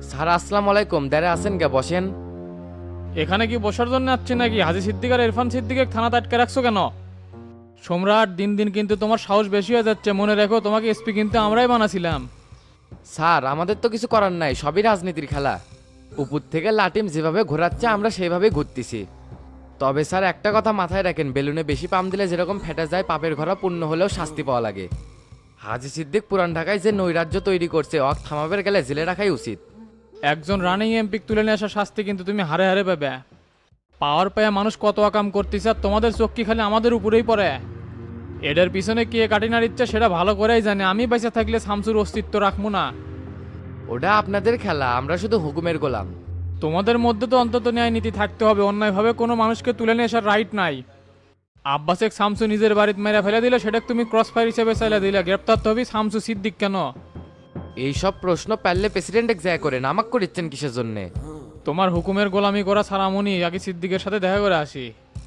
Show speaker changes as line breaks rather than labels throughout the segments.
Sir আসসালামু আলাইকুম, দাঁড়ে আছেন কে? বসেন।
এখানে কি বসার জন্য আসছে নাকি? হাজি সিদ্দিক আর ইরফান সিদ্দিকে থানাতে আটকে রাখছো কেন? সম্রাট, দিন দিন কিন্তু তোমার সাহস বেশি হয়ে যাচ্ছে। মনে রেখো, তোমাকে এসপি কিন্তু আমরাই বানাছিলাম।
স্যার আমাদের তো কিছু করার নাই, সবই রাজনীতির খেলা। উপর থেকে লাটিম যেভাবে ঘোরাচ্ছে আমরা সেইভাবেই ঘুরতেছি। তবে স্যার একটা কথা মাথায় রাখেন, বেলুনে বেশি পাম দিলে যেরকম ফেটে যায়, পাপের ঘোড়া পূর্ণ হলেও শাস্তি পাওয়া লাগে। হাজি সিদ্দিক পুরান ঢাকায় যে নৈরাজ্য তৈরি করছে, অক থামাবের গেলে জেলে রাখাই উচিত।
একজন রানিং এমপি তুলে নিয়ে আসা শাস্তি কিন্তু তুমি হারে হারে পাবে। পাওয়ার পায়ে মানুষ কত আকাম করতেছে, আর তোমাদের চোখ কি খালি আমাদের উপরেই পড়ে? এদের পিছনে কে কাটিনার ইচ্ছা সেটা ভালো করেই জানে। আমি বেঁচে থাকলে শামসুর অস্তিত্ব রাখবো না।
ওটা আপনাদের খেলা, আমরা শুধু হুকুমের গোলাম।
তোমাদের মধ্যে তো অন্তত ন্যায় নীতি থাকতে হবে। অন্যায়ভাবে কোনো মানুষকে তুলে নিয়ে আসার রাইট নাই। আব্বাসেক শামসু নিজের বাড়িতে মেরে ফেলে দিলে, সেটা তুমি ক্রস ফায়ার হিসেবে চাইলে দিলে। গ্রেপ্তার তো হবি শামসু সিদ্দিক কেন?
এইসব প্রশ্ন পারলে প্রেসিডেন্ট যায় করেন, আমাক করিচ্ছেন কিসের জন্যে?
তোমার হুকুমের গোলামি করা ছাড়ামনি আগে সিদ্দিকের সাথে দেখা করে আসি।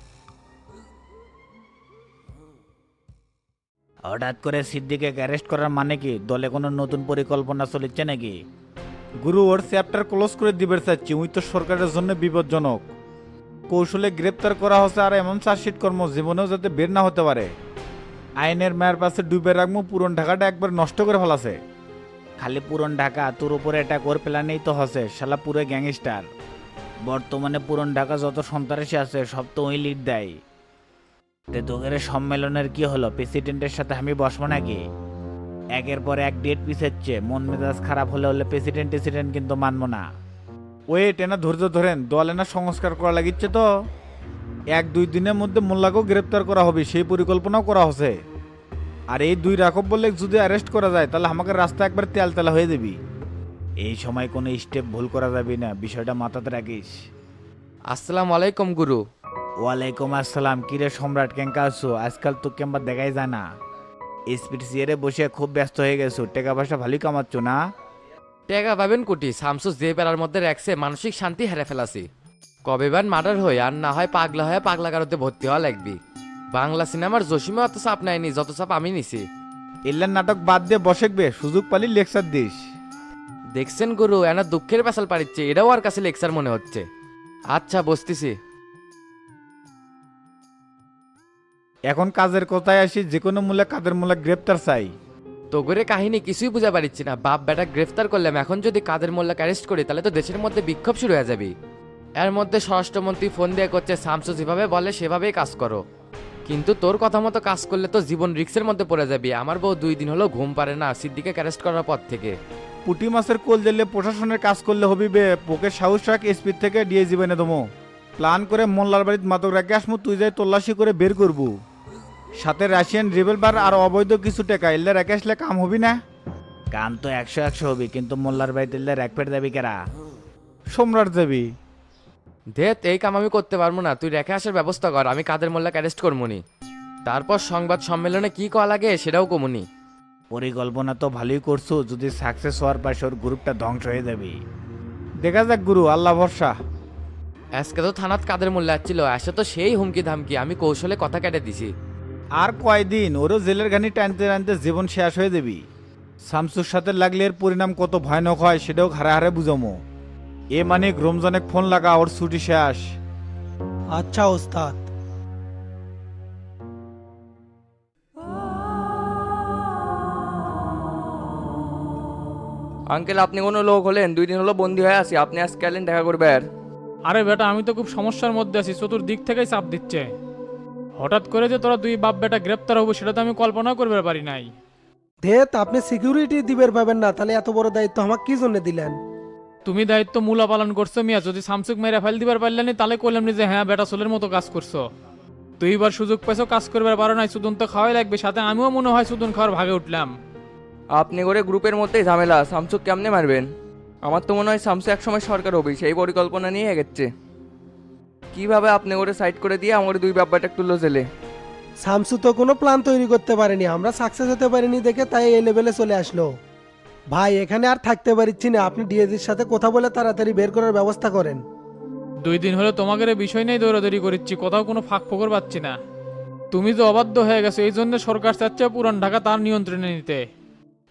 হঠাৎ করে সিদ্দিকে অ্যারেস্ট করার মানে কি? দলে কোনো নতুন পরিকল্পনা চলেছে নাকি? গুরু, ওর চ্যাপ্টার ক্লোজ করে দিবে চাচ্ছি। উই তো সরকারের জন্য বিপজ্জনক। কৌশলে গ্রেপ্তার করা হচ্ছে, আর এমন চার্জশিট কর্ম জীবনেও যাতে বের না হতে পারে। আইনের মায়ের পাশে ডুবে রাখবো, পুরন ঢাকাটা একবার নষ্ট করে ফেলাছে। খালি পুরন ঢাকা, তোর উপরে অ্যাটাক ওর প্ল্যানেই তো হসে। শালা পুরো গ্যাংস্টার। বর্তমানে পুরন ঢাকা যত সন্ত্রাসী আছে সব তো ওই লিড দেয়। তে তোদের সম্মেলনের কি হলো? প্রেসিডেন্টের সাথে আমি বসবো নাকি? একের পর এক ডেট পিছাচ্ছে। মন মেজাজ খারাপ হলে হলে প্রেসিডেন্ট কিন্তু মানবো না। ওয়েট, এনা ধৈর্য ধরেন, দল এনা সংস্কার করা লাগিচ্ছে তো। 1-2 দিনের মধ্যে মোল্লাকেও গ্রেপ্তার করা হবে, সেই পরিকল্পনাও করা হচ্ছে। আর এই 2 রাখব বললে যদি অ্যারেস্ট করা যায়, তাহলে আমাকে রাস্তা একবার তেলতেলা হয়ে যাবি। এই সময় কোনো স্টেপ ভুল করা যাবে না, বিষয়টা মাথাতে রাখিস।
আসসালামু আলাইকুম গুরু।
ওয়ালাইকুম আসসালাম। কিরে সম্রাট, কেঙ্কা আছো? আজকাল তো কেমবা দেখাই যায় না। স্পিড চেয়ারে বসে খুব ব্যস্ত হয়ে গেছো। টাকা পয়সা ভালোই কামাচ্ছ না?
টেকা পাবেন কুটি, শামসু যে পেরার মধ্যে রাখছে মানসিক শান্তি হেরে ফেলাছি। কবে বান মার্ডার হই, আর না হয় পাগলা হয়ে পাগলা কারোতে ভর্তি হওয়া লাগবি। বাংলা সিনেমার জসিমে অত চাপ নেয়নি যত চাপ আমি নিছি।
এল্লার নাটক বাদ দিয়ে বসেকবে, সুযোগ পালি লেকচার দিস।
দেখছেন গুরু, এনা দুঃখের পেশাল পারিচ্ছে, এটাও আর কাছে লেকচার মনে হচ্ছে। আচ্ছা বসতেছি।
এখন কাজের কথায় আসি, যে কোনো মূল্যে কাদের মূল্যে গ্রেপ্তার চাই।
তো করে কাহিনী কিছুই বুঝা পারিচ্ছি না। বাপ বেটা গ্রেফতার করলাম, এখন যদি কাদের মোল্লাকে অ্যারেস্ট করি তাহলে তো দেশের মধ্যে বিক্ষোভ শুরু হয়ে যাবে। এর মধ্যে স্বরাষ্ট্রমন্ত্রী ফোন দিয়ে করছে শামসু যেভাবে বলে সেভাবেই কাজ করো। কিন্তু তোর কথা মতো কাজ করলে তো জীবন রিস্কের মধ্যে পড়ে যাবি। আমার বউ 2 দিন হলো ঘুম পারে না সিদ্দিকে অ্যারেস্ট করার পর থেকে।
পুটি মাছের কোল দিলে প্রশাসনের কাজ করলে হবি বে। পোকের সাহস রাখ, স্পিড থেকে দিয়ে জীবনে দমো। প্ল্যান করে মোল্লার বাড়িতে মাদক রাখে আসমু, তুই যাই তল্লাশি করে বের করবু। সাথে রাশিয়ান রিভলভার আর অবৈধ কিছু টাকা এলে রেখে আসলে কাম হবি না? কাম তো 100-100 হবি, কিন্তু মোল্লার বাড়িতে এলে এক পেট যাবি কেরা? সম্রাট যাবি।
ধেত, এই কাম আমি করতে পারবো না, তুই রেখে আসার ব্যবস্থা কর, আমি কাদের মোল্লাকে অ্যারেস্ট করবনি। তারপর সংবাদ সম্মেলনে কি করা লাগে সেটাও কমুনি।
পরিকল্পনা তো ভালোই করছো, যদি সাকসেস হওয়ার পাশে ওর গ্রুপটা ধ্বংস হয়ে যাবে। দেখা যাক গুরু, আল্লাহ ভরসা।
আজকে তো থানাত কাদের মোল্লা আসছিল, আসে তো সেই হুমকি ধামকি, আমি কৌশলে কথা কেটে দিছি।
আর কয়দিন ওরও জেলের ঘানি টানতে টানতে জীবন শেষ হয়ে যাবি। শামসুর সাথে লাগলে এর পরিণাম কত ভয়ানক হয় সেটাও হারে হারে বুঝামো। এ মানে রমজানের ফোন লাগা, ওর ছুটি শেষ।
আচ্ছা ওস্তাদ।
আঙ্কেল, আপনি কোনো লোক হলেন? 2 দিন হলো বন্দি হয়ে আছি, আপনি আজকে এলেন দেখা করবেন?
আরে বেটা, আমি তো খুব সমস্যার মধ্যে আছি। চতুর্দিক থেকেই চাপ দিচ্ছে। হঠাৎ করে যে তোরা 2 বাপ বেটা গ্রেপ্তার হবো সেটা তো আমি কল্পনা করতে পারি নাই।
ধেত, আপনি সিকিউরিটি দিবের পাবেন না, তাহলে এত বড় দায়িত্ব আমাকে কি জন্য দিলেন?
তুমি দায়িত্ব মূলা পালন করছো মিয়া। যদি শামসুক মেরে ফেল দিবার পারলেনি তাহলে কইলাম যে হ্যাঁ বেটা ছোলের মতো কাজ করছো। 2বার সুযোগ পেছো, কাজ করবার পারো নাই। সুদন তো খাওয়াই লাগবে, সাথে আমিও মনে হয় সুদন খাওয়ার ভাগে উঠলাম।
আপনি করে গ্রুপের মধ্যেই ঝামেলা, শামসুক কেমনে মারবেন? আমার তো মনে হয় শামসু একসময় সরকার হবে, সেই পরিকল্পনা নিয়ে এগেচ্ছে। কিভাবে আপনি করে সাইড করে দিয়ে আমার 2 ব্যাপারটা তুললো জেলে?
শামসু তো কোনো প্ল্যান তৈরি করতে পারেনি, আমরা সাকসেস হতে পারিনি দেখে তাই এই লেভেলে চলে আসলো। ভাই এখানে আর থাকতে পারছি না, আপনি ডিএজির সাথে কথা বলে তাড়াতাড়ি বের করার ব্যবস্থা করেন।
2 দিন হলো তোমাদের এই বিষয় নেই দৌড়াদৌড়ি করিচ্ছি, কোথাও কোনো ফাঁক ফোকর পাচ্ছি না। তুমি যে অবাধ্য হয়ে গেছো, এই জন্য সরকার চাচ্ছে পুরান ঢাকা তার নিয়ন্ত্রণে নিতে।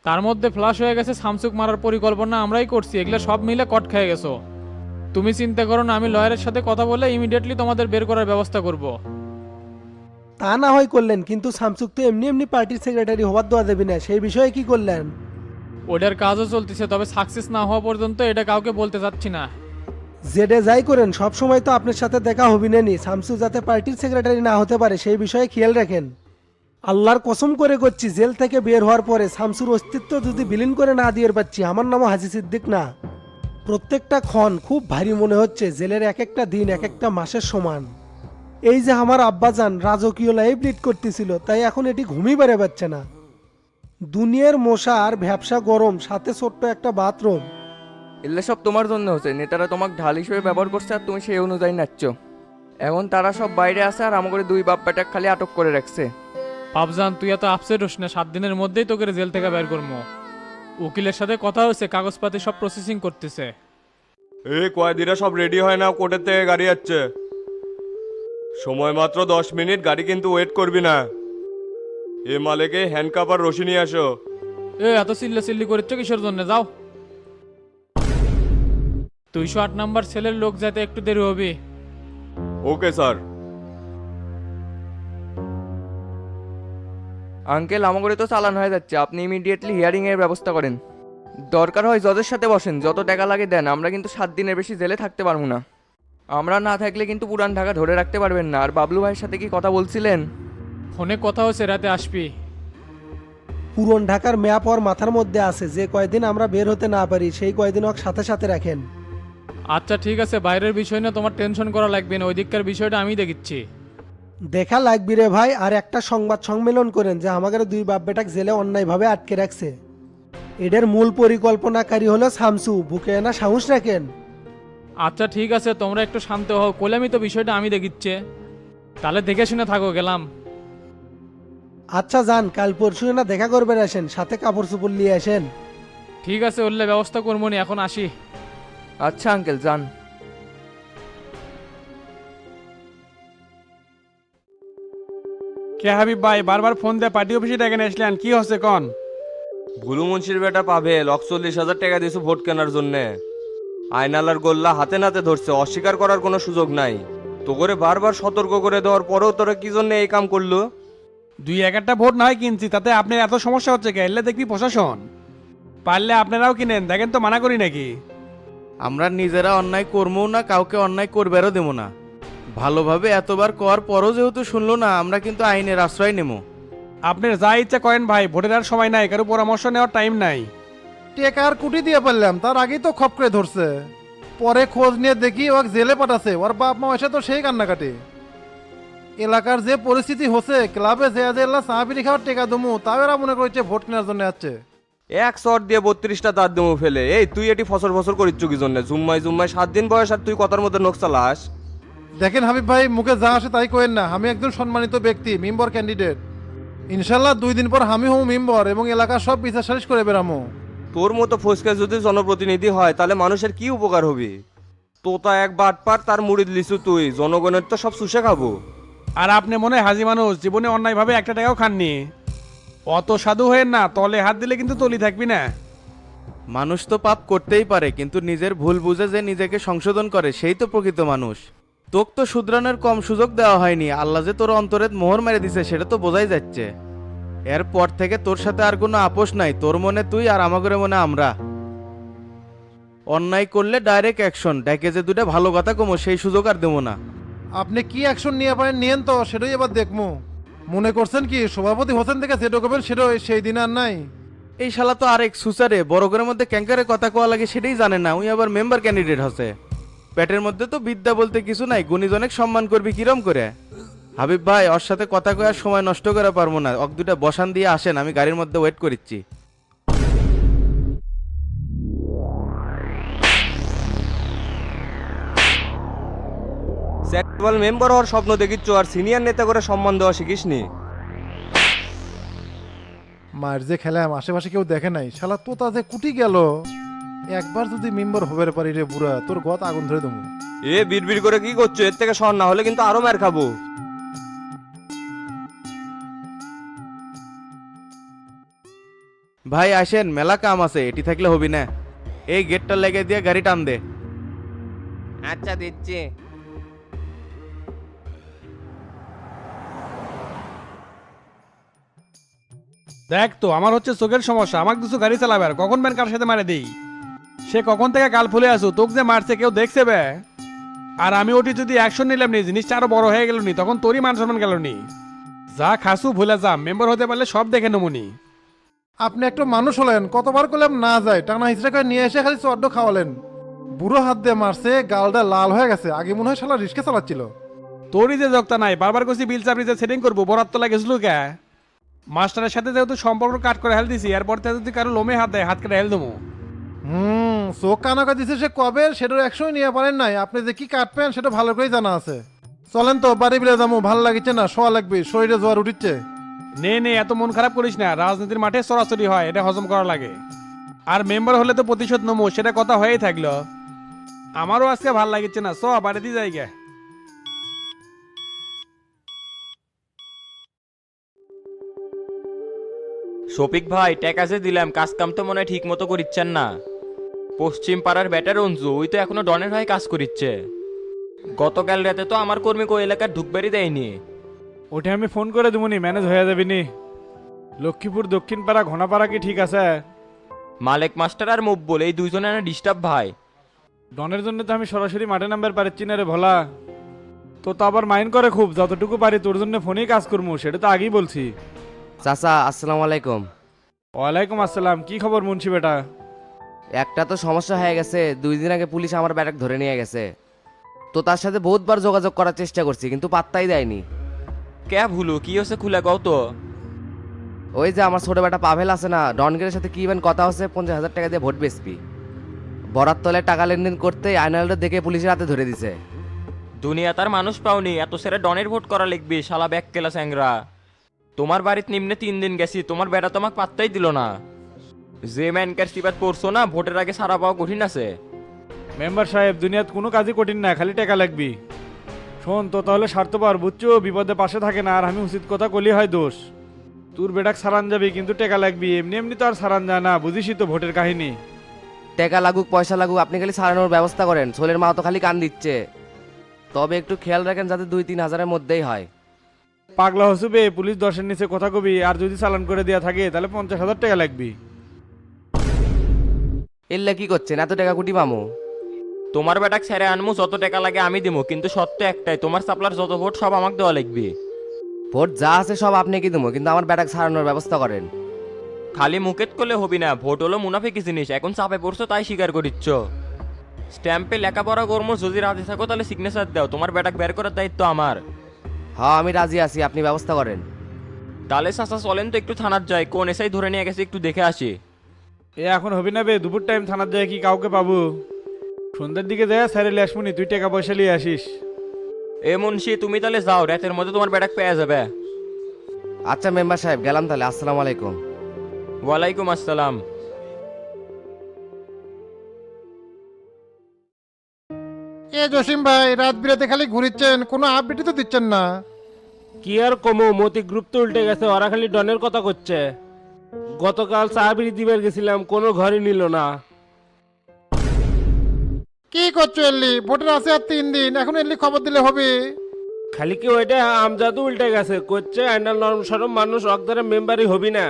তার মধ্যে ফ্লাশ হয়ে গেছে শামসুক মারার পরিকল্পনা আমরাই করছি, এগুলো সব মিলে কট খেয়ে গেছো। তুমি চিন্তা করো না, আমি লয়ারের সাথে কথা বলে ইমিডিয়েটলি তোমাদের বের করার ব্যবস্থা করব।
তা না হয় করলেন, কিন্তু শামসুক তো এমনি এমনি পার্টির সেক্রেটারি হওয়ার দেওয়া দেবে না, সেই বিষয়ে কি করলেন?
ওটার কাজও চলতেছে, তবে সাকসেস না হওয়া পর্যন্ত এটা কাউকে বলতে চাচ্ছি না।
জেডে যাই করেন সব সময় তো আপনার সাথে দেখা হবি না নি, শামসু যাতে পার্টির সেক্রেটারি না হতে পারে সেই বিষয়ে খেয়াল রাখেন। আল্লাহর কসম করে করছি, জেল থেকে বের হওয়ার পরে শামসুর অস্তিত্ব যদি বিলীন করে না দিয়ে পাচ্ছি, আমার নামও হাজি সিদ্দিক না। প্রত্যেকটা ক্ষণ খুব ভারী মনে হচ্ছে, জেলের এক একটা দিন এক একটা মাসের সমান। এই যে আমার আব্বাজান রাজকীয় লাইফ লিড করতেছিল, তাই এখন এটি ঘুমই বেড়ে পাচ্ছে না। দুনিয়ার মশা আর ভ্যাবসা গরম, সাথে ছোট্ট একটা বাথরুম।
এগুলো সব তোমার জন্য হচ্ছে, নেতারা তোমাকে ঢাল হিসেবে ব্যবহার করছে আর তুমি সেই অনুযায়ী নাচছ। এখন তারা সব বাইরে আছে আর আমাকে দুই বাপ বেটা খালি আটক করে রাখছে।
পাবজান তুই এত আপসেট হোস না, 7 দিনের মধ্যেই তোকে জেল থেকে বের করবো। উকিলের সাথে কথা হয়েছে, কাগজপাতি সব প্রসেসিং করতেছে।
এই কয়েদিরা সব রেডি হয় না, কোর্টের থেকে গাড়ি যাচ্ছে। সময় মাত্র 10 মিনিট, গাড়ি কিন্তু ওয়েট করবি না। এ মালেকে হ্যান্ডকাপ আর রশি নিয়ে আসো।
এত চিল্লি করছ কিসের জন্য? যাও। 208 নাম্বার সেলের লোক যাতে একটু দেরি হবে।
Okay sir.
আঙ্কেল আমাকে তো চালান হয়ে যাচ্ছে, আপনি ইমিডিয়েটলি হিয়ারিং এর ব্যবস্থা করেন। দরকার হয় জজের সাথে বসেন, যত টাকা লাগে দেন, আমরা কিন্তু 7 দিনের বেশি জেলে থাকতে পারবো না। আমরা না থাকলে কিন্তু পুরান ঢাকা ধরে রাখতে পারবেন না। আর বাবলু ভাইয়ের সাথে কি কথা বলছিলেন?
ফোনে কথা হয়েছে, রাতে আসবি।
পুরন ঢাকার ম্যাপ ওর মাথার মধ্যে আছে, যে কয়দিন আমরা বের হতে না পারি সেই কয়দিন ওর সাথে সাথে রাখেন।
আচ্ছা ঠিক আছে, বাইরের বিষয় না তোমার টেনশন করা লাগবে না, ওই দিককার বিষয়টা আমি দেখিচ্ছি।
দেখা লাগবি রে ভাই, আর একটা সংবাদ সম্মেলন করেন যে আমাদের দুই বাপ বেটাক জেলে অন্যায়ভাবে আটকে রাখছে। এদের মূল পরিকল্পনাকারী হলো শামসু, বুকে না সাহস রাখেন।
আচ্ছা ঠিক আছে, তোমরা একটু শান্ত হও, কোলামি তো বিষয়টা আমি দেখিচ্ছে। তাহলে দেখে শুনে থাকো, গেলাম।
আচ্ছা যান, কাল পরশু না দেখা করবেন, আসেন সাথে কাপড় চোপড় নিয়ে আসেন।
ঠিক আছে, উল্লে ব্যবস্থা করবো নি, এখন আসি।
আচ্ছা আঙ্কেল যান।
কে হাবিব ভাই বারবার ফোন দিয়ে পার্টি অফিসে ডেকে নিয়ে আসলেন, কি হচ্ছে কন?
ভুলু মুন্সির বেটা পাবে 40,000 টাকা দিয়েছে ভোট কেনার জন্যে। আয়নালার গোল্লা হাতে নাতে ধরছে, অস্বীকার করার কোনো সুযোগ নাই। তো করে বারবার সতর্ক করে দেওয়ার পরেও তোরা কি জন্য এই কাম করলো?
2-1টা ভোট নয় কিনছি, তাতে আপনার এত সমস্যা হচ্ছে কে? এলে দেখবি প্রশাসন। পারলে আপনারাও কিনেন, দেখেন তো মানা করি নাকি।
আমরা নিজেরা অন্যায় করবো না, কাউকে অন্যায় করবারও দেবো না। ভালোভাবে এতবার কর পরও যেহেতু শুনলো না, আমরা কিন্তু আইনের আশ্রয় নেব।
আপনার যা ইচ্ছা করেন ভাই, ভোটের আর সময় নাই, কারো পরামর্শ নেওয়ার টাইম নাই।
টেকার কুটি দিয়ে পারলাম, তার আগেই তো খপ করে ধরছে। পরে খোঁজ নিয়ে দেখি ওকে জেলে পাঠাছে, ওর বাপ মা এসে তো সেই কান্নাকাটি। এলাকার যে পরিস্থিতি হচ্ছে, ক্লাবে যে এলা চা বিড়ি খাওয়ার টেকা দমু, তাও এরা মনে করছে ভোট কেনার জন্য আসছে।
এক শট দিয়ে 32টা তার দেবো ফেলে। এই তুই এটি ফসর ফসর করিচ্ছ কি জন্য? জুম্মাই 7 দিন বয়স আর তুই কথার মধ্যে নখ চালাস।
দেখেন হাবিব ভাই, মুখে যা আসে তাই কোয়েন না, আমি একজন সম্মানিত ব্যক্তি, মেম্বার ক্যান্ডিডেট। ইনশাল্লাহ 2 দিন পর আমি হব মেম্বার এবং এলাকার সব বিচার সালিশ করে বেরামো।
তোর মতো ফসকে যদি জনপ্রতিনিধি হয় তাহলে মানুষের কি উপকার হবে? তোতা এক বাটপার, তার মুড়ি লিচু তুই, জনগণের তো সব শুষে খাবো।
আর আপনি মনে হয় হাজি মানুষ, জীবনে অন্যায়ভাবে একটা টাকাও খাননি। অত সাধু হয়ে না, তলে হাত দিলে কিন্তু তলি থাকবি না।
মানুষ তো পাপ করতেই পারে, কিন্তু নিজের ভুল বুঝে যে নিজেকে সংশোধন করে সেই তো প্রকৃত মানুষ। তোক তো শুধরানোর কম সুযোগ দেওয়া হয়নি, আল্লাহ যে তোর অন্তরে মোহর মেরে দিছে সেটা তো বোঝাই যাচ্ছে। এরপর থেকে তোর সাথে আর কোনো আপোষ নাই, তোর মনে তুই আর আমাদের মনে আমরা। অন্যায় করলে ডাইরেক্ট অ্যাকশন, ডেকে যে দুটা ভালো কথা কমো সেই সুযোগ আর দেবো না।
আপনি কি অ্যাকশন নিয়ে পারেন নিয়েন তো, সেটাই এবার দেখবো। মনে করছেন কি সভাপতি হোসেন থেকে সেটা করবেন, সেটা সেই দিন আর নাই।
এই শালা তো আরেক সুসারে বড় ঘরের মধ্যে ক্যাঙ্কারে কথা কোয়া লাগে সেটাই জানে না, উই আবার মেম্বার ক্যান্ডিডেট হচ্ছে। পেটের মধ্যে তো বিদ্যা বলতে কিছু নাই, গুণীজনেক সম্মান করবি কিরম করে? হাবিব ভাই ওর সাথে কথা কয়ার সময় নষ্ট করে পারবো না, অক দুটা বসান দিয়ে আসেন, আমি গাড়ির মধ্যে ওয়েট করিচ্ছি।
কেবল মেম্বার হওয়ার স্বপ্ন দেখিচ্ছ আর সিনিয়র নেতা করে সম্মান দেওয়া শিখিসনি।
মার যে খেলাম আশেপাশে কেউ দেখে নাই, শালা তোতা যে কুটি গেল। একবার যদি মেম্বার হবার পারি রে বুড়া, তোর গত আগুন ধরে দেবো।
এ বিড়বিড় করে কি করছো? এর থেকে সর না হলে কিন্তু আরো মার খাবো।
ভাই আসেন, মেলা কাম আছে, এটি থাকলে হবি না। এই গেটটা লেগে দিয়ে গাড়ি টান দে।
আচ্ছা দিচ্ছি।
দেখ তো আমার হচ্ছে চোখের সমস্যা, আমাকে কিছু গাড়ি চালাবে আর কখন ব্যান কার সাথে মারে দিই। সে কখন থেকে গাল ফুলে আসো, তোকে যে মারছে কেউ দেখছে বে? আর আমি ওটি যদি অ্যাকশন নিলাম নি, জিনিসটা আরো বড় হয়ে গেল নি, তখন তোরই মান সম্মান গেল নি। যা খাসু ভুলে যা, মেম্বার হতে পারলে সব দেখে নমুনি।
আপনি একটু মানুষ হলেন, কতবার করলাম না যায়, টানা হিচড়া করে নিয়ে এসে খালি চড্ড খাওয়ালেন। বুড়ো হাত দিয়ে মারছে, গালটা লাল হয়ে গেছে, আগে মনে হয় শালা রিস্কে চালাচ্ছিল।
তোরই যে যোগতা নাই, বারবার কইছি বিল চাপড়ি যে সেটিং করবো, বরাত তো লাগেছিল কে? মাস্টারের সাথে যেহেতু সম্পর্ক কাট করে হেল দিছি, এরপর থেকে যদি কারো লোমে হাত দেয়, হাত কেটে হেল দেবো।
চোখ কানাকা দিছে সে কবে, সেটার একশোই নিয়ে পারেন নাই। আপনি যে কি কাটবেন সেটা ভালো করেই জানা আছে। চলেন তো বাড়ি বিলে যাবো, ভালো লাগিচ্ছে না, শোয়া লাগবে, শরীরে জোয়ার উঠিচ্ছে।
নে এত মন খারাপ করিস না, রাজনীতির মাঠে সরাসরি হয়, এটা হজম করা লাগে। আর মেম্বার হলে তো প্রতিশোধ নমো, সেটা কথা হয়েই থাকলো। আমারও আজকে ভাল লাগিচ্ছে না, চ বাড়ি দিয়ে যাই গে।
শফিক ভাই, টাকা যে দিলাম, কাজ কাম তো মনে হয় ঠিক মতো করিচ্ছেন না। পশ্চিম পাড়ার ব্যাটার অঞ্জু, ওই তো এখনো ডনের হয়ে কাজ করিচ্ছে। গতকাল রাতে তো আমার কর্মী ওই এলাকার ঢুকবারই দেয়নি।
ওটা আমি ফোন করে দেবনি, ম্যানেজ হয়ে যাবে নি। লক্ষ্মীপুর দক্ষিণ পাড়া ঘোনাপাড়া কি ঠিক আছে?
মালেক মাস্টার আর মকবুল, এই দুইজনে না ডিস্টার্ব ভাই।
ডনের জন্য তো আমি সরাসরি মাঠে নাম্বার পারছি না রে ভোলা। তো আবার মাইন্ড করে খুব, যতটুকু পারি তোর জন্য ফোনেই কাজ করবো, সেটা তো আগেই বলছি।
চাচা আসসালামু আলাইকুম।
ওয়ালাইকুম আসসালাম, কি খবর মুন্সি বেটা?
একটা তো সমস্যা হয়ে গেছে, 2 দিন আগে পুলিশ আমার ব্যাটাক ধরে নিয়ে গেছে। তো তার সাথে বহুতবার যোগাযোগ করার চেষ্টা করছি, কিন্তু পাত্তাই দেয়নি।
কে ভুলু, কি হচ্ছে খুলে গাও তো।
ওই যে আমার ছোট বেটা পাভেল আছে না, ডনগের সাথে কি ইভেন কথা হচ্ছে 50,000 টাকা দিয়ে ভোট বেচবি। বরাত তলে টাকা লেনদেন করতে আয়নালটা দেখে পুলিশের হাতে ধরে দিছে।
দুনিয়া তার মানুষ পাওনি, এত সেরা ডনের ভোট করা লিখবি, শালা ব্যাক কেলা স্যাংরা। তোমার বাড়িতে নিম্নে 3 দিন গেছি, তোমার বেটা তোমাকে পাত্তাই দিল না। যে ম্যানকার সিবাত পড়ছো না, ভোটের আগে সারা পাওয়া কঠিন আছে।
মেম্বার সাহেব, দুনিয়াত কোনো কাজই কঠিন না, খালি টাকা লাগবি। শোন তো তাহলে স্বার্থপর বুঝছো, বিপদে পাশে থাকে না, আর আমি উচিত কথা কলি হয় দোষ। তোর বেটাক সারান যাবি, কিন্তু টাকা লাগবি, এমনি এমনি তো আর সারান যায় না, বুঝিসই তো ভোটের কাহিনী।
টাকা লাগুক পয়সা লাগুক, আপনি খালি সারানোর ব্যবস্থা করেন। ছোলের মা তো খালি কান দিচ্ছে। তবে একটু খেয়াল রাখেন যাতে 2-3 হাজারের মধ্যেই হয়।
পাগলা হসুবে, পুলিশ 10-এর নিচে কথা কবি, আর যদি চালান করে দেওয়া থাকে তাহলে 50,000 টাকা লাগবি।
এল্লা কি করছেন, এত টাকা কুটি পামো?
তোমার বেটাক ছেড়ে আনমু, যত টাকা লাগে আমি দিব, কিন্তু সত্য একটাই, তোমার সাপ্লার যত ভোট সব আমাকে দেওয়া লাগবে।
ভোট যা আছে সব আপনি কি দেবো, কিন্তু আমার ব্যাটাক সারানোর ব্যবস্থা করেন।
খালি মুকেত করলে হবি না, ভোট হলো মুনাফিকি জিনিস, এখন চাপে পড়ছো তাই স্বীকার করিচ্ছ। স্ট্যাম্পে লেখাপড়া কর্ম যদি রাজি থাকো তাহলে সিগনেচার দাও, তোমার বেটাক বের করার দায়িত্ব আমার।
হ্যাঁ আমি রাজি আছি, আপনি ব্যবস্থা করেন।
তাহলে চাচা চলেন তো একটু থানার যাই, কোন এসআই ধরে নিয়ে গেছে একটু দেখে আসি।
এ এখন হবি না বে, দুপুর টাইম থানার যায় কি কাউকে পাবো? সন্ধ্যার দিকে যায় স্যারে লেসমুনি, তুই টাকা পয়সা নিয়ে আসিস।
এ মুন্সি, তুমি তাহলে যাও, রাতের মধ্যে তোমার বেটাক পেয়ে যাবে।
আচ্ছা মেম্বার সাহেব, গেলাম তাহলে, আসসালামু আলাইকুম।
ওয়ালাইকুম আসসালাম।
এ জসিম ভাই, রাত বিরাতে খালি ঘুরিচ্ছেন, কোনো আপডেটই তো দিচ্ছেন না।
কি আর কমো, মতি গ্রুপ তো উল্টে গেছে, ওরা খালি ডনের কথা করছে। গতকাল চা বিড়ি দিবার গেছিলাম, কোনো ঘরই নিল না।
কি করছো এলি, ভোটের আছে আর 3 দিন, এখন এলি খবর দিলে হবে।
খালি কি ওইটা আমজাদু উল্টে গেছে, করছে আইনাল নরম সরম মানুষ অকদারে মেম্বারই হবি না।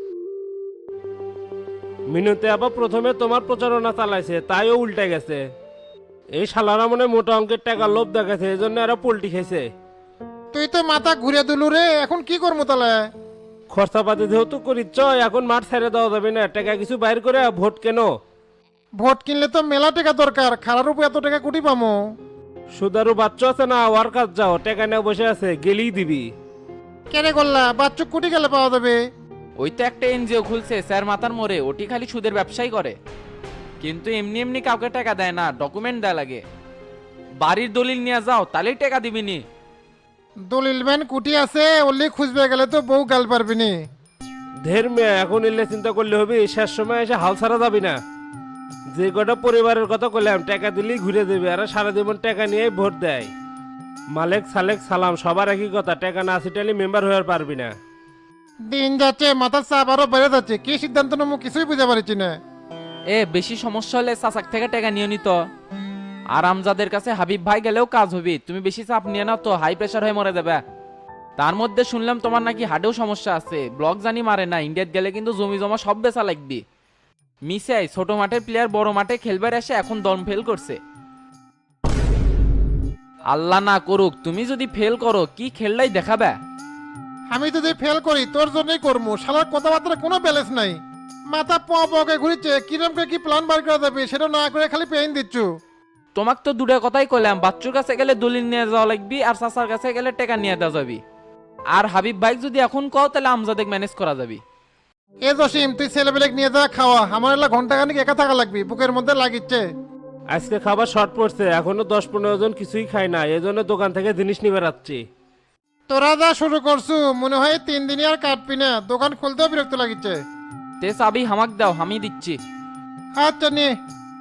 মিনুতে আবার প্রথমে তোমার প্রচারণা চালাইছে, তাইও উল্টে গেছে। এই শালারা মনে মোটা অঙ্কের টাকা লোভ দেখাছে, এই জন্য এরা পোল্টি খেয়েছে।
তুই তো মাথা ঘুরে দিলু রে, এখন কি করবো তাহলে?
খরচাপাতি যেহেতু করিচ্ছ, এখন মাঠ ছেড়ে দেওয়া যাবে না, টাকা কিছু বাইর করে ভোট কেন।
ভোট কিনলে তো মেলা টাকা দরকার, খারার উপর এত টাকা কুটি পামো?
সুদারু বাচ্চা আছে না, ওর কাজ যাও, টাকা নিয়ে বসে আছে, গেলেই দিবি।
কেনে করলা, বাচ্চু কুটি গেলে পাওয়া যাবে?
ওই তো একটা এনজিও খুলছে স্যার মাথার মোড়ে, ওটি খালি সুদের ব্যবসাই করে, কিন্তু এমনি এমনি কাউকে টাকা দেয় না, ডকুমেন্ট দেয় লাগে। বাড়ির দলিল নিয়ে যাও, তাহলেই টাকা দিবিনি।
দলিল ম্যান কুটি আছে, ওলি খুঁজবে গেলে তো বউ গাল পারবি নি।
ধের মেয়ে, এখন এলে চিন্তা করলে হবে, শেষ সময় এসে হাল ছাড়া যাবি না। যে কটা পরিবারের কথা বললাম, টাকা দিলেই ঘুরে দেবে, আর সারা জীবন টাকা নিয়ে ভোট দেয়। মালেক সালেক সালাম, সবার একই কথা, টাকা না ছিটালি মেম্বার হয়ে পারবি না।
দিন যাচ্ছে মাথার চাপ আরো বেড়ে যাচ্ছে, কি সিদ্ধান্ত নেবো কিছুই বুঝতে পারছি না।
এ বেশি সমস্যা হলে চাচাক থেকে টাকা নিয়ে নিত। আর আমজাদের কাছে হাবিব ভাই গেলেও কাজ হবে, তুমি বেশি চাপ নিয়ে নাও তো হাই প্রেশার হয়ে মরে যাবে। তার মধ্যে শুনলাম তোমার নাকি হার্টেও সমস্যা আছে, ব্লক জানি মারে না, ইন্ডিয়াত গেলে কিন্তু জমি জমা সব বেচা লাগবে। মিসাই ছোট মাঠের প্লেয়ার বড় মাঠে খেলবার এসে এখন দম ফেল করছে। আল্লাহ না করুক তুমি যদি ফেল করো, কি খেললাই দেখাবে।
আমি যদি ফেল করি তোর জন্যই করবো, শালার কথাবার্তা কোনো ব্যালেন্স নাই। মাথা পকে ঘুরিচ্ছে, কিরম করে কি প্ল্যান বার করা যাবে সেটা না করে খালি পেইন দিচ্ছ।
তোমাক তো দুটো কথাই কইলাম, বাচ্চুর কাছে গেলে দলিল নিয়ে যাওয়া লাগবি, আর চাচার কাছে গেলে টাকা নিয়ে দেওয়া যাবি। আর হাবিব ভাই যদি এখন কও তাহলে আমজাদেক ম্যানেজ করা যাবি।
এ জসিম তুই ছেলেবেলেক নিয়ে যা খাওয়া, আমার এলা ঘন্টা খানিক একা থাকা লাগবে, বুকের মধ্যে লাগিচ্ছে।
আজকে খাবার শর্ট পড়ছে, এখনো 10-15 জন কিছুই খায় না, এই জন্য দোকান থেকে জিনিস নিয়ে বেড়াচ্ছি।
তোরা যা শুরু করছু মনে হয় 3 দিনই আর কাটবি না, দোকান খুলতেও বিরক্ত লাগিচ্ছে।
তে চাবি হামাক দাও, আমি দিচ্ছি।
আচ্ছা নিয়ে।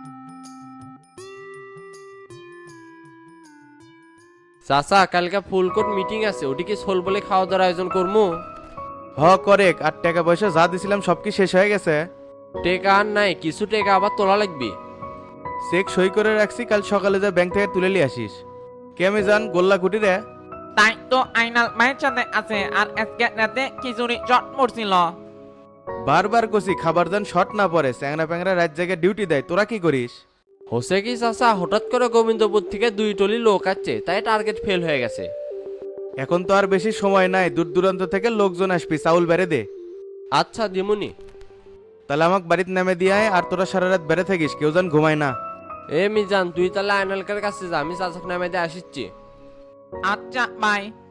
চাচা কালকে ফুলকোট মিটিং আছে, ওটি কি সোল বলে খাওয়া দাওয়ার আয়োজন করবো?
হ করেক, আর টাকা পয়সা যা দিছিলাম সব কি শেষ হয়ে গেছে?
টেকা আর নাই, কিছু টেকা আবার তোলা লাগবে।
চেক সই করে রাখছি, কাল সকালে যা ব্যাংক থেকে তুলে নিয়ে আসিস। কে আমি জান গোল্লা কুটি রে?
তাই তো আইনাল মায়ের সাথে আছে, আর আজকে রাতে খিচুড়ি চট মরছিল।
বারবার কষি খাবার দান শর্ট না পড়ে, চ্যাংরা প্যাংরা রাত জায়গায় ডিউটি দেয়, তোরা কি করিস?
হোসে কি চাচা হঠাৎ করে গোবিন্দপুর থেকে 2 টলি লোক আসছে, তাই টার্গেট ফেল হয়ে গেছে।
এখন তো আর বেশি সময় নাই, দূর দূরান্ত থেকে লোকজন আসবি, চাউল বেড়ে দে।
আচ্ছা দিমুনি।
তাহলে আমাকে বাড়িতে নামে দিয়ে আয়, আর তোরা সারা রাত বেড়ে থাকিস, কেউ যেন ঘুমায় না।
মিজান তুই তাহলে আইনালকার কাছে যা, আমি চাচাক নামে দিয়ে আসিচ্ছি।
আচ্ছা বাই।